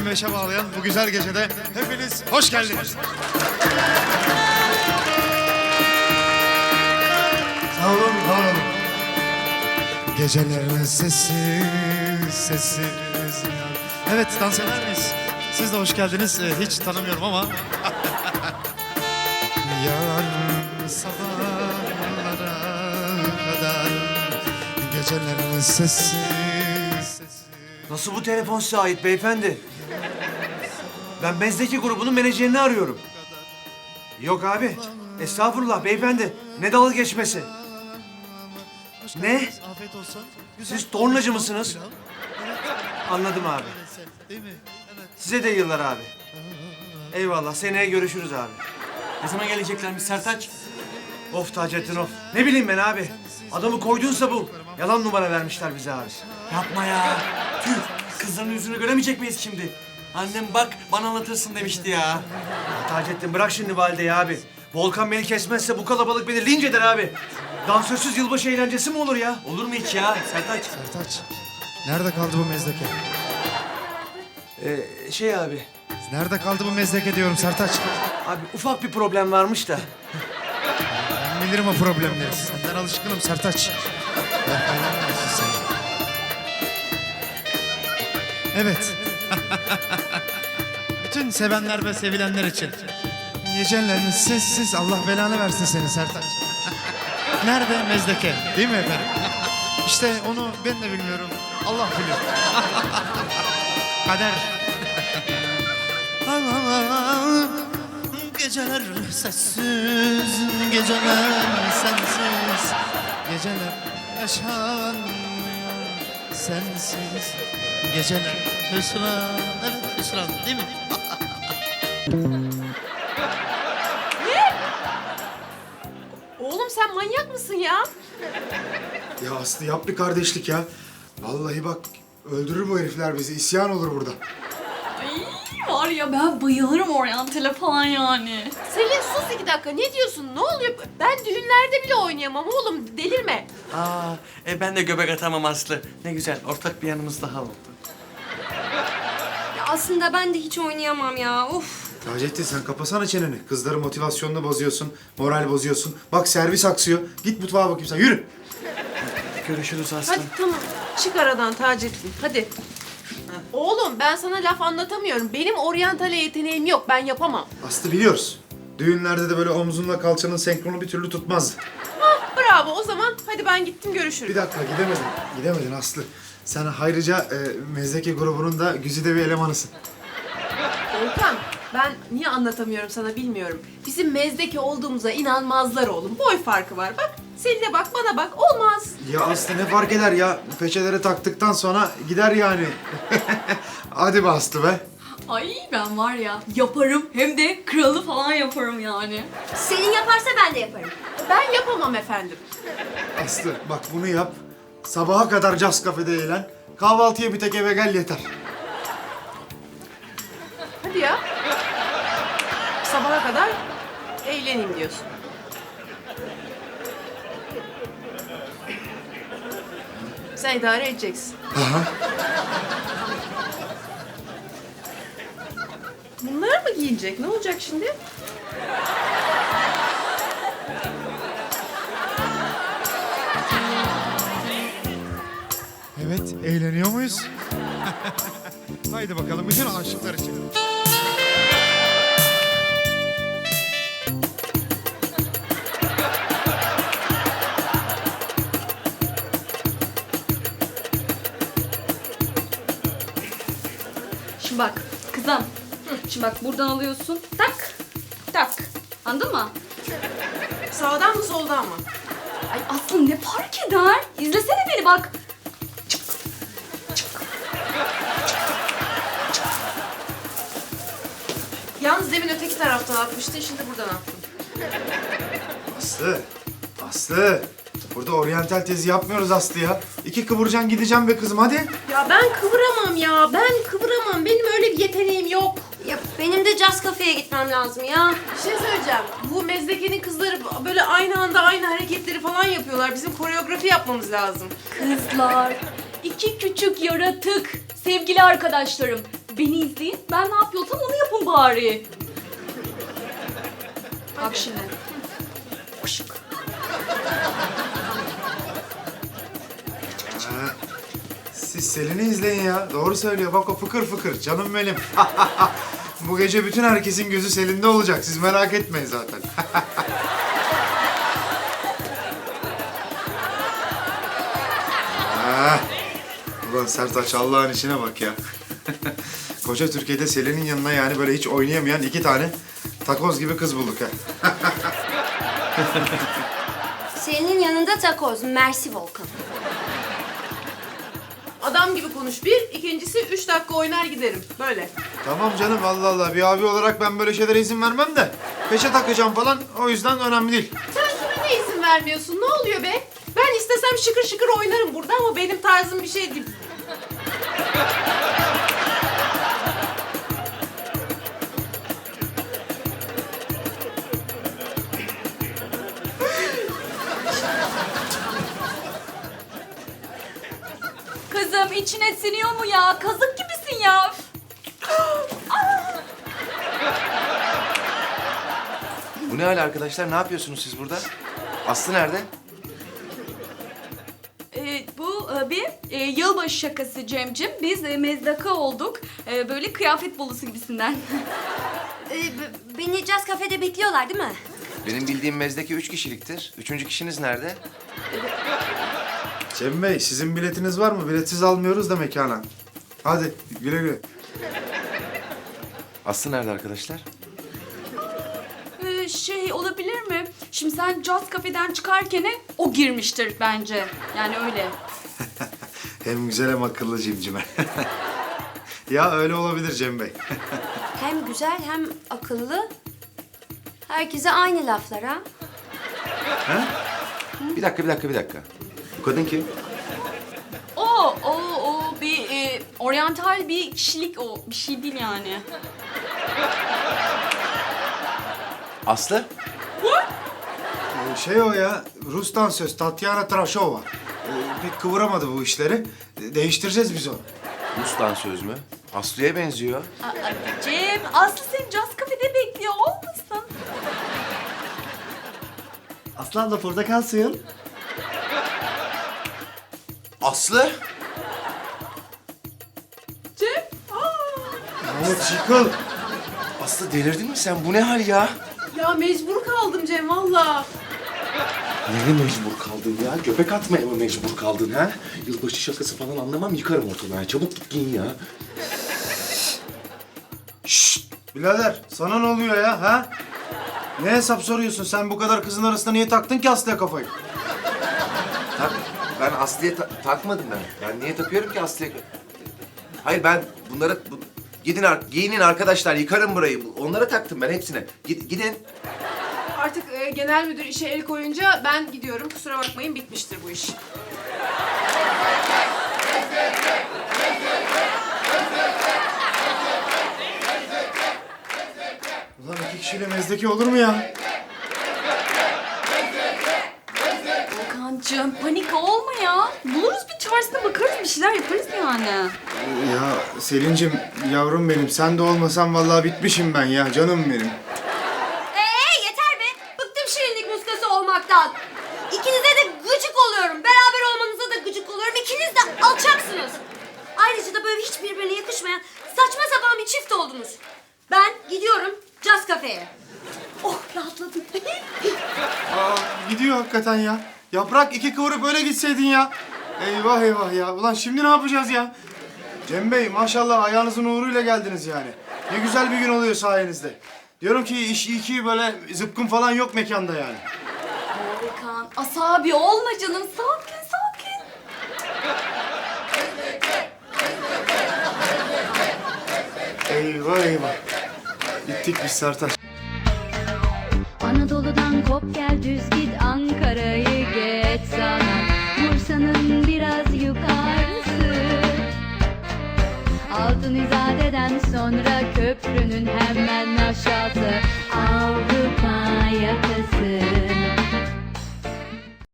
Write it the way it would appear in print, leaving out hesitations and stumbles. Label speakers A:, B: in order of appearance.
A: 25'e bağlayan bu güzel gecede hepiniz hoş geldiniz. Sağ olun, var olun. Gecelerin sessiz. Evet, dans eder miyiz? Siz de hoş geldiniz. Hiç tanımıyorum ama. Yarın sabahlara kadar gecelerin sessiz.
B: Nasıl bu telefon size ait beyefendi? Ben Mezdeki grubunun menajerini arıyorum. Yok abi. Estağfurullah beyefendi. Ne dalga geçmesi? Ne?
A: Afiyet olsun.
B: Siz tornacı mısınız? Anladım abi.
A: Değil mi? Evet.
B: Size de yıllar abi. Eyvallah. Seneye görüşürüz abi.
C: Ne zaman geleceklermiş Sertaç?
B: Of Taceddin of. Ne bileyim ben abi. Adamı koydunsa bul. Yalan numara vermişler bize abi.
C: Yapma ya. Tüh. Kızların yüzünü göremeyecek miyiz şimdi? Annem bak bana anlatırsın demişti ya.
B: Ya Taceddin bırak şimdi valideyi abi. Volkan beni kesmezse bu kalabalık beni linç eder abi. Dansözsüz yılbaşı eğlencesi mi olur ya?
C: Olur mu hiç ya Sertaç?
A: Sertaç, nerede kaldı bu mezdeke?
B: Şey abi.
A: Nerede kaldı bu mezdeke diyorum Sertaç.
B: Abi ufak bir problem varmış da.
A: Ben bilirim o problemleri. Senden alışkınım Sertaç. Allah belanı versin seni. Evet. Bütün sevenler ve sevilenler için. Gecelerin sessiz, Allah belanı versin seni Sertaç. Nerede mezdeke? Değil mi efendim? İşte onu ben de bilmiyorum. Allah biliyor. Kader. Geceler sessiz, geceler sensiz, geceler yaşanmıyor sensiz, geceler hüsran, evet hüsran değil mi?
D: Oğlum sen manyak mısın ya?
E: Ya Aslı yap bir kardeşlik ya. Vallahi bak öldürür bu herifler bizi. İsyan olur burada.
F: Ay var ya ben bayılırım oryantale falan yani.
D: Selin sus 2 dakika. Ne diyorsun? Ne oluyor? Ben düğünlerde bile oynayamam oğlum. Delirme.
C: Ben de göbek atamam Aslı. Ne güzel ortak bir yanımız daha oldu.
G: Ya aslında ben de hiç oynayamam ya. Of.
E: Taceddin sen kapasana çeneni. Kızların motivasyonunu bozuyorsun, moral bozuyorsun. Bak servis aksıyor. Git mutfağa bakayım sen. Yürü.
C: Görüşürüz Aslı.
D: Hadi tamam. Çık aradan Taceddin. Hadi. Oğlum ben sana laf anlatamıyorum. Benim oryantale yeteneğim yok. Ben yapamam.
E: Aslı biliyoruz. Düğünlerde de böyle omzunla kalçanın senkronu bir türlü tutmazdı.
D: Bravo o zaman. Hadi ben gittim görüşürüz.
E: Bir dakika gidemedin. Gidemedin Aslı. Sen ayrıca Mezdeke grubunun da güzide bir elemanısın.
D: Volkan ben niye anlatamıyorum sana bilmiyorum. Bizim mezdeki olduğumuza inanmazlar oğlum. Boy farkı var. Bak Selin'e bak bana bak. Olmaz.
E: Ya Aslı ne fark eder ya? Peçeleri taktıktan sonra gider yani. Hadi be Aslı be.
F: Ay ben var ya yaparım hem de kralı falan yaparım yani.
G: Selin yaparsa ben de yaparım.
D: Ben yapamam efendim.
E: Aslı bak bunu yap. Sabaha kadar Cas Cafe'de eğlen. Kahvaltıya bir tek eve gel yeter.
D: Hadi ya. Sabaha kadar eğleneyim diyorsun. Sen idare edeceksin. Bunlar mı giyinecek? Ne olacak şimdi?
A: Evet, eğleniyor muyuz? Haydi bakalım bütün aşıklar için.
F: Şimdi bak kızım. Şimdi bak buradan alıyorsun. Tak. Tak. Anladın mı?
D: Sağdan mı soldan mı?
F: Ay Aslı ne fark eder? İzlesene beni bak.
D: Yalnız demin öteki taraftan atmıştın, şimdi buradan attın.
E: Aslı. Aslı. Burada oryantal tezi yapmıyoruz Aslı ya. İki kıvıracaksın gideceğim be kızım hadi.
D: Ya ben kıvıramam ya, ben kıvıramam. Benim öyle bir yeteneğim yok.
G: Ya benim de Cas Cafe'ye gitmem lazım ya.
D: Bir şey söyleyeceğim. Bu mezdekenin kızları böyle aynı anda aynı hareketleri falan yapıyorlar. Bizim koreografi yapmamız lazım.
F: Kızlar, iki küçük yaratık, sevgili arkadaşlarım. beni izleyin. Ben ne yapıyorsam onu yapın bari. Bak şimdi. Işık.
E: Siz Selin'i izleyin ya. Doğru söylüyor. Bak o fıkır fıkır. Canım benim. Bu gece bütün herkesin gözü Selin'de olacak. Siz merak etmeyin zaten. Ah, ulan Sertaç Allah'ın işine bak ya. Koca Türkiye'de Selin'in yanına yani böyle hiç oynayamayan 2 tane takoz gibi kız bulduk ha.
G: Selin'in yanında takoz. Mersi Volkan.
D: Adam gibi konuş bir, ikincisi 3 dakika oynar giderim. Böyle.
E: Tamam canım Allah Allah. Bir abi olarak ben böyle şeylere izin vermem de. Peşe takacağım falan. O yüzden önemli değil.
D: Sen kime ne izin vermiyorsun? Ne oluyor be? Ben istesem şıkır şıkır oynarım burada ama benim tarzım bir şey değil.
F: Kızım içine siniyor mu ya? Kazık gibisin ya.
H: Bu ne hal arkadaşlar? Ne yapıyorsunuz siz burada? Aslı nerede?
F: Bu bir yılbaşı şakası Cemcim. Biz mezdaka olduk. Böyle kıyafet bolusu gibisinden.
G: Beni Caz Cafe'de bekliyorlar değil mi?
H: Benim bildiğim mezdeki 3 kişiliktir. 3. kişiniz nerede?
E: Cem Bey sizin biletiniz var mı? Biletsiz almıyoruz da mekana. Hadi güle güle.
H: Aslı nerede arkadaşlar?
F: Şey olabilir mi? Şimdi sen Caz Cafe'den çıkarken o girmiştir bence. Yani öyle.
E: Hem güzel hem akıllı cimcime. Ya öyle olabilir Cem Bey.
G: Hem güzel hem akıllı. Herkese aynı laflar ha.
H: Bir dakika. Bu kadın kim?
F: O bir oryantal bir kişilik o. Bir şey değil yani.
H: Aslı?
E: Şey o ya, Rus dansöz Tatyana Trashova. Pek kıvıramadı bu işleri. Değiştireceğiz biz onu.
H: Rus dansöz mü? Aslı'ya benziyor.
F: Cem, Aslı seni Caz Cafe'de bekliyor olmasın?
C: Aslı abla portakal suyun.
H: Aslı?
D: Cem,
E: Mahmut yıkıl.
H: Aslı delirdin mi sen? Bu ne hal ya?
D: ya mecbur kaldım Cem valla.
H: Neye mecbur kaldın ya? Göbek atmaya mı mecbur kaldın ha? Yılbaşı şakası falan anlamam, yıkarım ortalığı. Çabuk git giyin ya.
E: Birader sana ne oluyor ya ha? Ne hesap soruyorsun? Sen bu kadar kızın arasında niye taktın ki Aslı'ya kafayı?
H: Ben Aslı'ya takmadım ben. Ben niye takıyorum ki Aslı'ya? Hayır ben bunlara... giyinin arkadaşlar, yıkarım burayı. Onlara taktım ben hepsine. Gidin.
D: Artık genel müdür işe el koyunca ben gidiyorum. Kusura bakmayın bitmiştir bu iş.
E: Ulan 2 kişiyle mezdeki olur mu ya?
F: Volkancığım panik olma ya. Buluruz bir çaresine bakarız bir şeyler yaparız yani.
E: Ya Selin'cim yavrum benim sen de olmasan vallahi bitmişim ben ya canım benim.
G: Yeter be. Bıktım şirinlik muskası olmaktan. İkinize de gıcık oluyorum. Beraber olmanıza da gıcık oluyorum. İkiniz de alçaksınız. Ayrıca da böyle hiç birbirine yakışmayan saçma sapan bir çift oldunuz. Ben gidiyorum Caz Cafe'ye. Oh rahatladım.
E: Aa, gidiyor hakikaten ya. Yaprak 2 kıvırıp öyle gitseydin ya. Eyvah eyvah ya. Ulan şimdi ne yapacağız ya? Cem Bey maşallah ayağınızın uğruyla geldiniz yani. Ne güzel bir gün oluyor sayenizde. Diyorum ki iş iyi ki böyle zıpkın falan yok mekanda yani.
F: Volkan asabi olma canım. Sakin sakin.
E: Eyvah eyvah. Bittik biz Sertaç.
I: Anadolu'dan kop gel düz git Ankara'yı geç sana Bursa'nın biraz yukarısı Altın İzade'den sonra köprünün hemen aşağısı Avrupa yakası